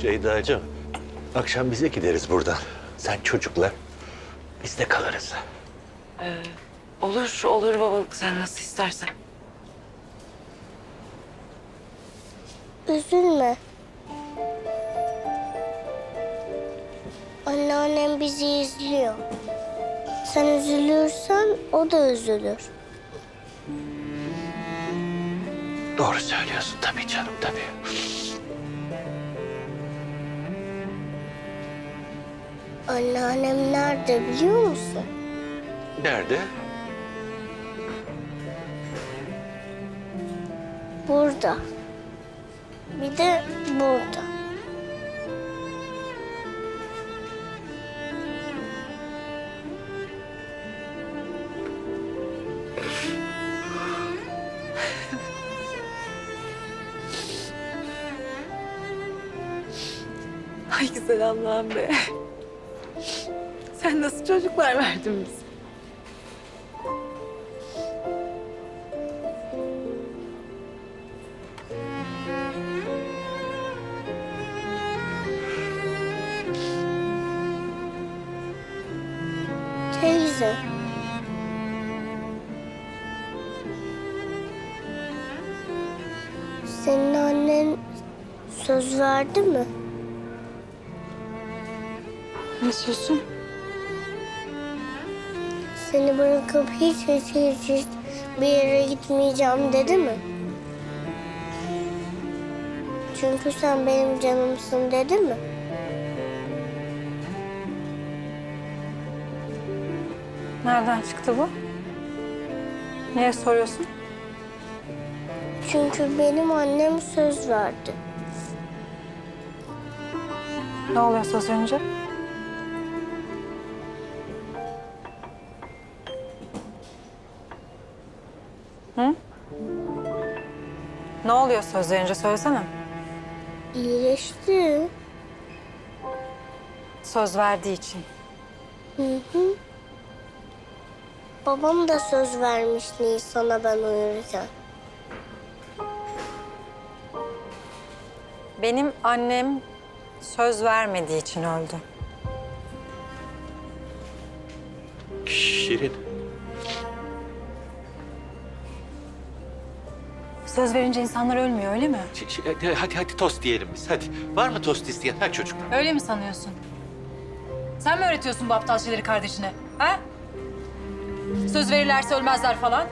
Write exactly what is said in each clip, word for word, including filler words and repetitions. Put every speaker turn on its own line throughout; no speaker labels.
Ceyda'cığım, akşam bize gideriz buradan. Sen çocukla, biz de kalırız.
Olur, olur babalık. Sen nasıl istersen.
Üzülme. Anneannem bizi izliyor. Sen üzülürsen o da üzülür.
Doğru söylüyorsun tabii canım, tabii.
Anneannem nerede biliyor musun?
Nerede?
Burada. Bir de burada.
Ay güzel Allah'ım be. Sen nasıl çocuklar verdin bize?
Teyze. Senin annen söz verdi mi?
Ne sözün?
Seni bırakıp hiç hiç hiç, hiç bir yere gitmeyeceğim dedi mi? Çünkü sen benim canımsın dedi mi?
Nereden çıktı bu? Niye soruyorsun?
Çünkü benim annem söz verdi.
Ne oluyor söz önce? Hı? Ne oluyor söz verince söylesene.
İyileşti.
Söz verdiği için.
Hı hı. Babam da söz vermiş Nisan'a ben uyurken.
Benim annem söz vermediği için öldü.
Şirin.
Söz verince insanlar ölmüyor öyle mi?
Ş- ş- Hadi hadi tost diyelim biz, hadi. Var mı tost isteyen? Ha çocuklar.
Öyle mi sanıyorsun? Sen mi öğretiyorsun bu aptal şeyleri kardeşine? Ha? Söz verirlerse ölmezler falan.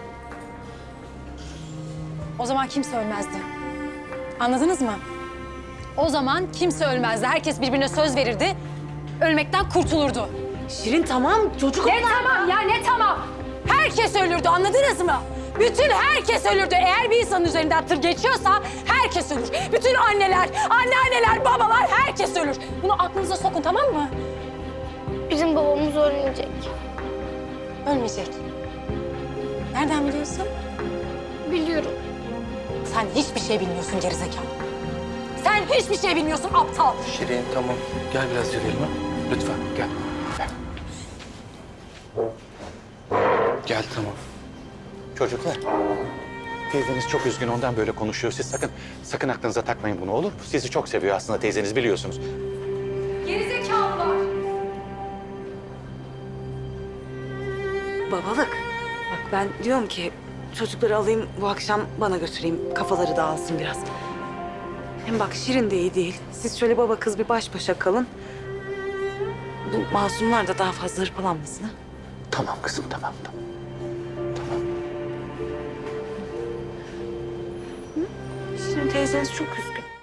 O zaman kimse ölmezdi. Anladınız mı? O zaman kimse ölmezdi. Herkes birbirine söz verirdi. Ölmekten kurtulurdu.
Şirin tamam, çocuk
Ne tamam ya ne tamam? Herkes ölürdü anladınız mı? Bütün herkes ölürdü. Eğer bir insanın üzerinden tır geçiyorsa herkes ölür. Bütün anneler, anneanneler, babalar herkes ölür. Bunu aklınıza sokun tamam mı?
Bizim babamız ölmeyecek.
Ölmeyecek. Nereden biliyorsun?
Biliyorum.
Sen hiçbir şey bilmiyorsun gerizekalı. Sen hiçbir şey bilmiyorsun aptal.
Şirin tamam. Gel biraz yürüyelim ha. Lütfen gel. Gel. Gel tamam.
Çocuklar, teyzeniz çok üzgün, ondan böyle konuşuyor. Siz sakın, sakın aklınıza takmayın bunu, olur mu? Sizi çok seviyor aslında teyzeniz, biliyorsunuz.
Gerizekalılar.
babalık. Bak ben diyorum ki çocukları alayım bu akşam bana götüreyim. Kafaları dağılsın biraz. Hem bak Şirin de iyi değil. Siz şöyle baba kız bir baş başa kalın. Bu masumlar da daha fazla hırpalanmasın ha.
Tamam kızım, tamam, tamam.
Şirin teyzeniz çok üzgün.